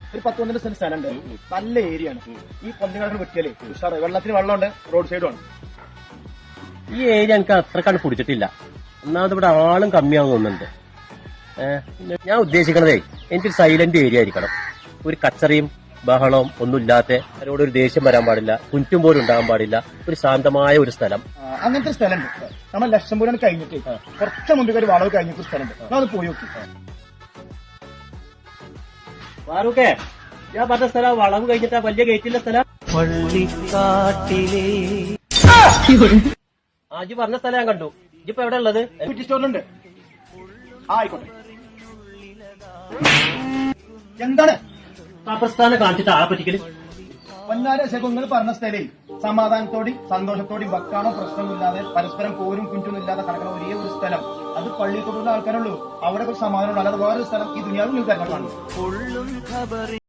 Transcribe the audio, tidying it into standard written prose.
ഒരു 10-12 സെന്റ് സ്ഥലമുണ്ട്. നല്ല ഏരിയ ആണ്. ഈ പന്നികളൊക്കെ വെട്ടിയാലേ ഉഷാറ്. വെള്ളത്തിന് വെള്ളമുണ്ട്, റോഡ് സൈഡും ആണ്. ഈ ഏരിയ എനിക്ക് അത്രക്കാണ്ട് പിടിച്ചിട്ടില്ല. ഒന്നാമത് ഇവിടെ ആളും കമ്മിയാവും തോന്നുന്നുണ്ട്. ഞാൻ ഉദ്ദേശിക്കണതേ എനിക്കൊരു സൈലന്റ് ഏരിയ ആയിരിക്കണം. ഒരു കച്ചറയും ബഹളവും ഒന്നുമില്ലാത്ത, അവരോട് ഒരു ദേഷ്യം വരാൻ പാടില്ല, കുറ്റും പോലും ഉണ്ടാകാൻ പാടില്ല. ഒരു ശാന്തമായ ഒരു സ്ഥലം. അങ്ങനത്തെ സ്ഥലമുണ്ട്. നമ്മൾ ലക്ഷംപൂരാണ് കഴിഞ്ഞിട്ട് കുറച്ച് മുമ്പ് ഒരു വളവ് കഴിഞ്ഞിട്ട് സ്ഥലമുണ്ട്. അത് പോയി നോക്കി. ഫാറൂഖേ, ഞാൻ പറഞ്ഞ സ്ഥലം വളവ് കഴിഞ്ഞിട്ടാ വലിയ ഗേറ്റിന്റെ സ്ഥലം. ആജി പറഞ്ഞ സ്ഥലം ഞാൻ കണ്ടു. ഇപ്പൊ എവിടെ ഉള്ളത്? സ്റ്റോറിലുണ്ട്. ആയിക്കോട്ടെ. എന്താണ് പ്രസ്ഥാനം കാണിച്ചിട്ട് ആളെ പറ്റിക്കല്? പൊന്നാര ശകുങ്ങൾ പറഞ്ഞ സ്ഥലേ സമാധാനത്തോടെയും സന്തോഷത്തോടെയും വക്കാണോ പ്രശ്നമില്ലാതെ പരസ്പരം പോരും കുഞ്ചൊന്നുമില്ലാതെ കിടക്കുന്ന ഒരേ ഒരു സ്ഥലം. അത് പള്ളിത്തോടുള്ള ആൾക്കാരുള്ളൂ. അവിടെ ഒരു സമാധാനം ഉണ്ട്. അല്ലാതെ വേറൊരു സ്ഥലം ഈ ദുനിയാവിൽ നിങ്ങൾക്ക് കാണും.